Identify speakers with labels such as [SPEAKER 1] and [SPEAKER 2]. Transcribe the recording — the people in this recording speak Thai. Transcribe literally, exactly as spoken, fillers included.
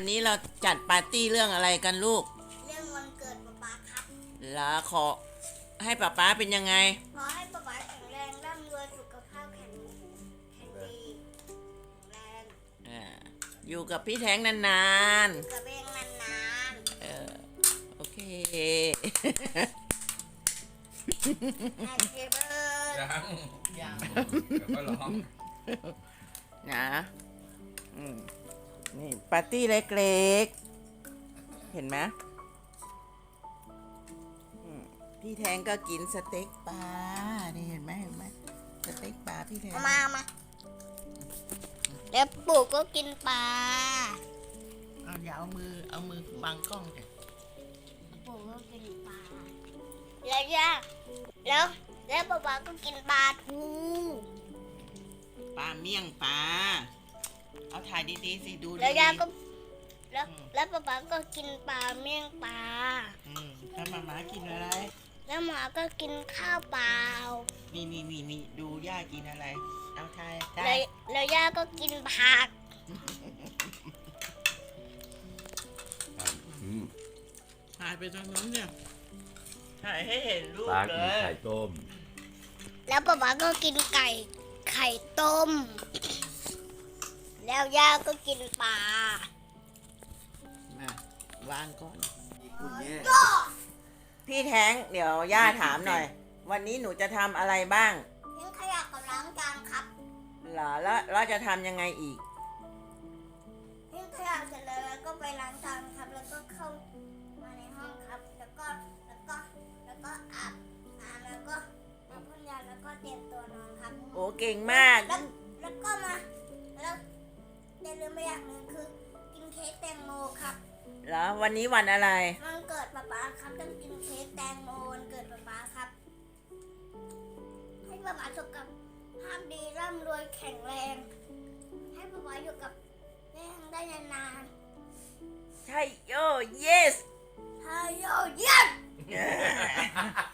[SPEAKER 1] วันนี้เราจัดปาร์ตี้เรื่องอะไรกันลูก
[SPEAKER 2] เรื่องวันเกิดป๊าป๊าครับ
[SPEAKER 1] แล้วขอให้ป๊าป๊าเป็นยังไง
[SPEAKER 2] ขอให้ป๊าป๊าแข็งแรงร่ำรวยสุขภาพแข็งแข็งดีแข็งแรง
[SPEAKER 1] อ่าอยู่กับพี่แท้งนาน
[SPEAKER 2] อยู่กับเองนาน
[SPEAKER 1] ๆเออโอเค
[SPEAKER 2] ๆ Happy birthday
[SPEAKER 3] ยังยังเดี๋ยวก็ร้อง
[SPEAKER 1] นะอืมนี่ปาร์ตี้เล็กๆเห็นไหมอืมพี่แทงก็กินสเต็กปลานี่เห็นไหมเห็นไหมสเต็กปลาพี่แทง
[SPEAKER 2] เอามามาแล้วปู่ก็กินปลา
[SPEAKER 1] เอาอย่าเอามือเอามือบังกล้องเลย
[SPEAKER 2] ปู่ก็กินปลาแล้วย่าแล้วแล้วป๊าป๊าก็กินปลาทู
[SPEAKER 1] ปลาเมี่ยงปลาเอาถ่ายดีๆสิดูดี
[SPEAKER 2] แล้วย่าก็แล้วแล้วป๊าป๊าก็กินปลาเมี่ยงปลา
[SPEAKER 1] อืมแล้วมาม่ากินอะไร
[SPEAKER 2] แล้วหมาก็กินข้าวเปล่า
[SPEAKER 1] นี่นี่นี่นี่ดูย่ากินอะไรเอาถ่ายได้
[SPEAKER 2] แล้วแล้วย่าก็กินผัก
[SPEAKER 4] อืม
[SPEAKER 1] ถ่ายไปทางนู้นเนี่ยถ่ายให้เห็นรูป
[SPEAKER 4] ปลา
[SPEAKER 1] เล
[SPEAKER 4] กิน
[SPEAKER 1] ย
[SPEAKER 4] ไข่ต้ม
[SPEAKER 2] แล้วป๊าป๊าก็กินไก่ไข่ต้ม แล้วย่าก็กินปลาม
[SPEAKER 1] าวางก่อน
[SPEAKER 4] คุณแม่
[SPEAKER 1] พี่แท้งเดี๋ยวย่าถามหน่อย วันนี้หนูจะทำอะไรบ้าง
[SPEAKER 2] ทิ้งขยะกับล้างจานครับ
[SPEAKER 1] เหรอแล้วเราจะทำยังไงอีก
[SPEAKER 2] ทิ้งขยะเสร็จแล้วแล้วก็ไปล้างจานครับ แล้วก็เข้ามาในห้องครับ แล้วก็แล้วก็แล้วก็อาบน้ำแล้วก็มาพ่นยาแล้วก็เตรียมตัวนอนครับ
[SPEAKER 1] โอ้เก่งมาก
[SPEAKER 2] แล้วแล้วก็มาแล้วอย่าลืมไปอย่างหนึ่งคือกินเค้กแตงโมครับ
[SPEAKER 1] แล้ววันนี้วันอะไร
[SPEAKER 2] วันเกิดป๊าป๊าครับต้องกินเค้กแตงโมวันเกิดป๊าป๊าครับ ให้ป๊าป๊าสุขภาพดีร่ำรวยแข็งแรง ให้ป๊าป๊าอยู่กับแม่ได้นาน
[SPEAKER 1] ใช่โย yes
[SPEAKER 2] ๆฮายโยเยี่ยม